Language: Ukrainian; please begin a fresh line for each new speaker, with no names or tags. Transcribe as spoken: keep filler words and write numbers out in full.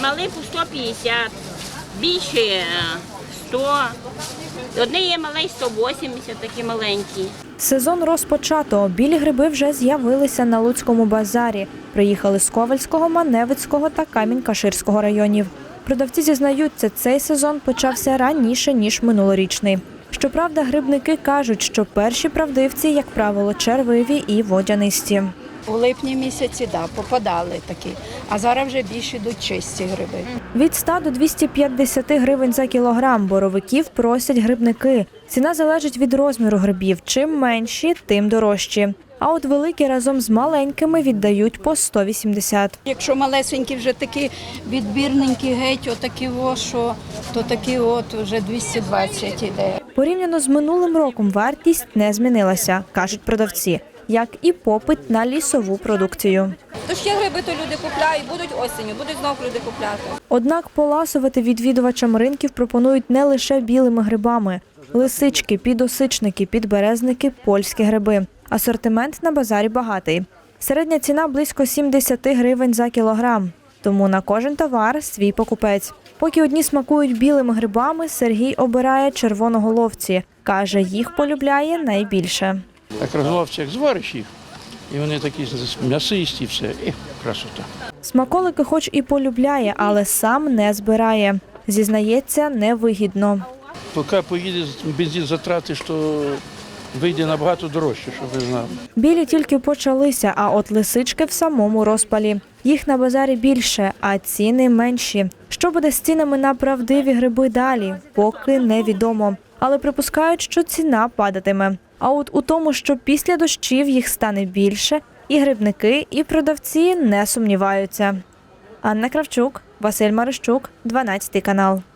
Малий по сто п'ятдесят, більше сто. Одне є малий сто вісімдесят, такі маленькі.
Сезон розпочато. Білі гриби вже з'явилися на Луцькому базарі. Приїхали з Ковальського, Маневицького та Камінь-Каширського районів. Продавці зізнаються, цей сезон почався раніше, ніж минулорічний. Щоправда, грибники кажуть, що перші правдивці, як правило, червиві і водянисті.
У липні місяці, да, попадали такі, а зараз вже більше йдуть чисті гриби.
Від ста до двохсот п'ятдесят гривень за кілограм боровиків просять грибники. Ціна залежить від розміру грибів. Чим менші, тим дорожчі. А от великі разом з маленькими віддають по сто вісімдесят.
Якщо малесенькі вже такі відбірненькі геть, отакі о, що, то такі от вже двісті двадцять іде.
Порівняно з минулим роком вартість не змінилася, кажуть продавці, як і попит на лісову продукцію.
Тож є гриби, то люди купляють, будуть осінню, будуть знову люди купляти.
Однак поласувати відвідувачам ринків пропонують не лише білими грибами. Лисички, підосичники, підберезники, польські гриби. Асортимент на базарі багатий. Середня ціна близько сімдесят гривень за кілограм. Тому на кожен товар свій покупець. Поки одні смакують білими грибами, Сергій обирає червоноголовці. Каже, їх полюбляє найбільше.
Так розловці, як звариш їх, і вони такі м'ясисті, все, і красота.
Смаколики хоч і полюбляє, але сам не збирає. Зізнається, невигідно.
Поки поїде бензин затратиш, то вийде набагато дорожче, щоб ви знали.
Білі тільки почалися, а от лисички в самому розпалі. Їх на базарі більше, а ціни менші. Що буде з цінами на правдиві гриби далі, поки невідомо. Але припускають, що ціна падатиме. А от у тому, що після дощів їх стане більше, і грибники, і продавці не сумніваються. Анна Кравчук, Василь Марищук, дванадцятий канал.